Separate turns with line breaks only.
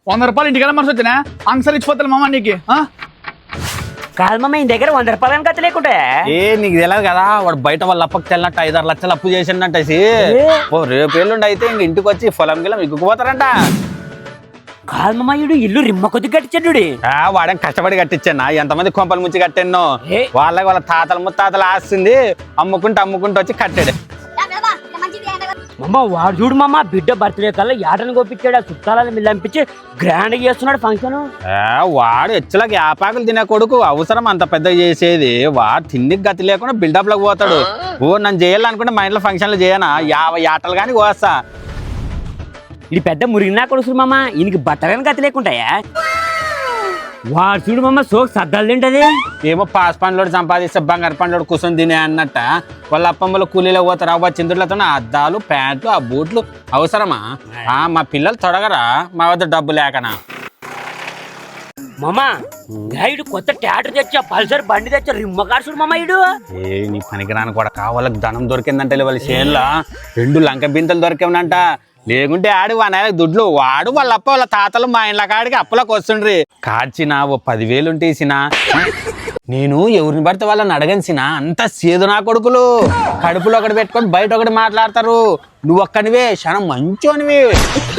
100 రూపాయలు ఇంటికి మనసు వచ్చినా ఆన్సర్ ఇచ్చిపోతాను మామ నీకు.
కాదు మామ ఈ దగ్గర 100 రూపాయలు కథ లేకుంటే
నీకు తెలియదు కదా వాడు బయట వాళ్ళ అప్పకి తెల్లట్టు 5-6 లక్షలు అప్పు చేసిండంటేసి రేపు ఎల్లుండి అయితే ఇంక ఇంటికి వచ్చి పొలం గిలం ఇగ్గుకుపోతారంట.
కాదు మామ ఈడు ఇల్లు రిమ్మ కొద్ది కట్టించాడు.
వాడేం కష్టపడి కట్టించాను ఎంతమంది కొంపల ముంచి కట్టాను వాళ్ళకి వాళ్ళ తాతల ముత్తాతలు ఆస్తుంది అమ్ముకుంటూ వచ్చి కట్టాడు.
మామ వాడు చూడు మామ బిడ్డ బర్త్డే కల్లా యాటను కోపించాడు. ఆ చుట్టాలని మిల్లంపించి గ్రాండ్ చేస్తున్నాడు ఫంక్షన్.
వాడు ఎచ్చులకి యాపాకులు తినే కొడుకు అవసరం అంత పెద్ద చేసేది. వాడు తిండికి గతి లేకుండా బిల్డప్ లోకి పోతాడు. నన్ను చేయాలనుకుంటే మా ఇంట్లో ఫంక్షన్లు చేయనా 50 ఆటలు కానీ కోస్తా.
ఇది పెద్ద మురిగినా కొడుకు మామ ఈయనకి బట్టలని గతి లేకుంటాయా. వాడు చూడు మామ సోకు సర్దాలు తింటది.
ఏమో పాస్ పండ్లోడు సంపాదిస్తే బంగారు పండ్లోడు కూర్చొని తినే అన్నట్ట వాళ్ళ అప్పమ్మలు కూలీలో పోతారు. అవ్వ చిందులతో అద్దాలు ప్యాంట్లు ఆ బూట్లు అవసరమా? మా పిల్లలు తొడగరా మా వద్ద డబ్బు లేకనా.
మామ గైడు కొత్త ట్యాటర్ తెచ్చా పల్సర్ బండి తెచ్చా రిమ్మ కాడుచుడు మామ ఇడు.
నీ పనికిరాని కూడా వాళ్ళకి ధనం దొరికిందంటే వాళ్ళ చేనులో 2 లంక బింతలు దొరికేవనంట. లేకుంటే ఆడు వాడు దుడ్లు వాడు వాళ్ళ అప్ప వాళ్ళ తాతలు మా ఇండ్ల కాడికి అప్పులకు వస్తుండ్రి. కాచిన ఓ 10,000 ఉంటేసిన నేను ఎవరిని పడితే వాళ్ళని అడగనిసిన అంత సేదు నా కొడుకులు. కడుపులో ఒకటి పెట్టుకొని బయట ఒకటి మాట్లాడతారు. నువ్వు ఒక్కనివే క్షణం మంచోనివి.